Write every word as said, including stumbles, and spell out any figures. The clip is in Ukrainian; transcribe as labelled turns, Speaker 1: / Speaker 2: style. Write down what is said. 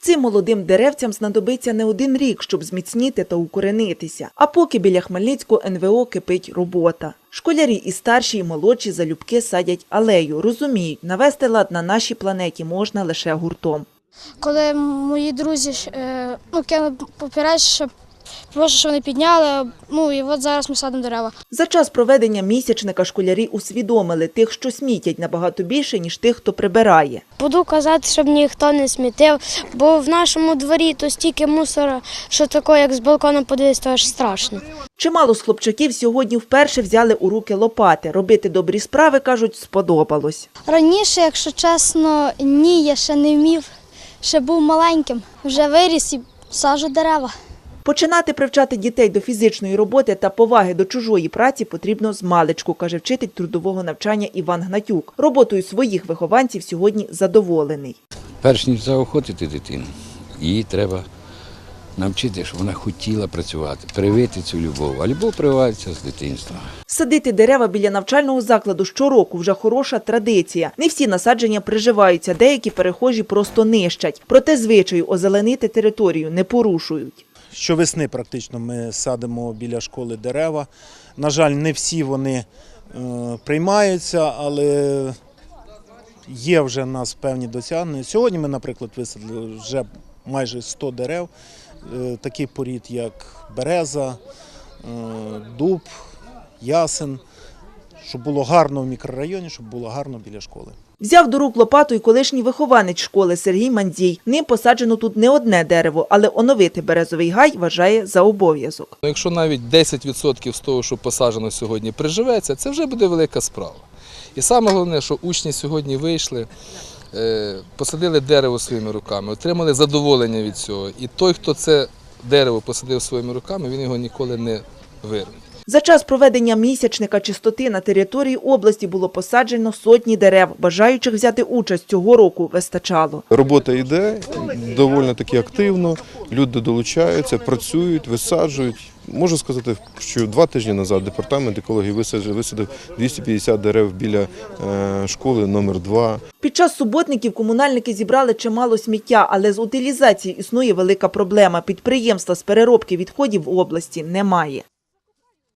Speaker 1: Цим молодим деревцям знадобиться не один рік, щоб зміцніти та укоренитися. А поки біля Хмельницького ен ве о кипить робота. Школярі і старші, і молодші залюбки садять алею. Розуміють, навести лад на нашій планеті можна лише гуртом.
Speaker 2: Коли мої друзі е, ну, кинули папірець, щоб прошу, що вони підняли, ну і от зараз ми садимо дерева.
Speaker 1: За час проведення місячника школярі усвідомили, тих, що смітять, набагато більше, ніж тих, хто прибирає.
Speaker 3: Буду казати, щоб ніхто не смітив, бо в нашому дворі то стільки мусора, що таке, як з балкона подивитися, то аж страшно.
Speaker 1: Чимало з хлопчаків сьогодні вперше взяли у руки лопати. Робити добрі справи, кажуть, сподобалось.
Speaker 2: Раніше, якщо чесно, ні, я ще не вмів, ще був маленьким, вже виріс і саджу дерева.
Speaker 1: Починати привчати дітей до фізичної роботи та поваги до чужої праці потрібно змалечку, каже вчитель трудового навчання Іван Гнатюк. Роботою своїх вихованців сьогодні задоволений.
Speaker 4: Перш ніж заохотити дитину, її треба навчити, щоб вона хотіла працювати, привити цю любов. А любов прививається з дитинства.
Speaker 1: Садити дерева біля навчального закладу щороку – вже хороша традиція. Не всі насадження приживаються, деякі перехожі просто нищать. Проте звичаю озеленити територію не порушують.
Speaker 5: Щовесни практично ми садимо біля школи дерева. На жаль, не всі вони е, приймаються, але є вже в нас певні досягнення. Сьогодні ми, наприклад, висадили вже майже сто дерев, е, таких порід, як береза, е, дуб, ясен, щоб було гарно в мікрорайоні, щоб було гарно біля школи.
Speaker 1: Взяв до рук лопату й колишній вихованець школи Сергій Мандзій. Ним посаджено тут не одне дерево, але оновити березовий гай вважає за обов'язок.
Speaker 6: Якщо навіть десять відсотків з того, що посаджено сьогодні, приживеться, це вже буде велика справа. І саме головне, що учні сьогодні вийшли, посадили дерево своїми руками, отримали задоволення від цього. І той, хто це дерево посадив своїми руками, він його ніколи не вирве.
Speaker 1: За час проведення місячника чистоти на території області було посаджено сотні дерев. Бажаючих взяти участь цього року вистачало.
Speaker 7: Робота йде доволі таки активно, люди долучаються, працюють, висаджують. Можу сказати, що два тижні назад департамент екології висадив, висадив двісті п'ятдесят дерев біля школи номер два.
Speaker 1: Під час суботників комунальники зібрали чимало сміття, але з утилізацією існує велика проблема. Підприємства з переробки відходів в області немає.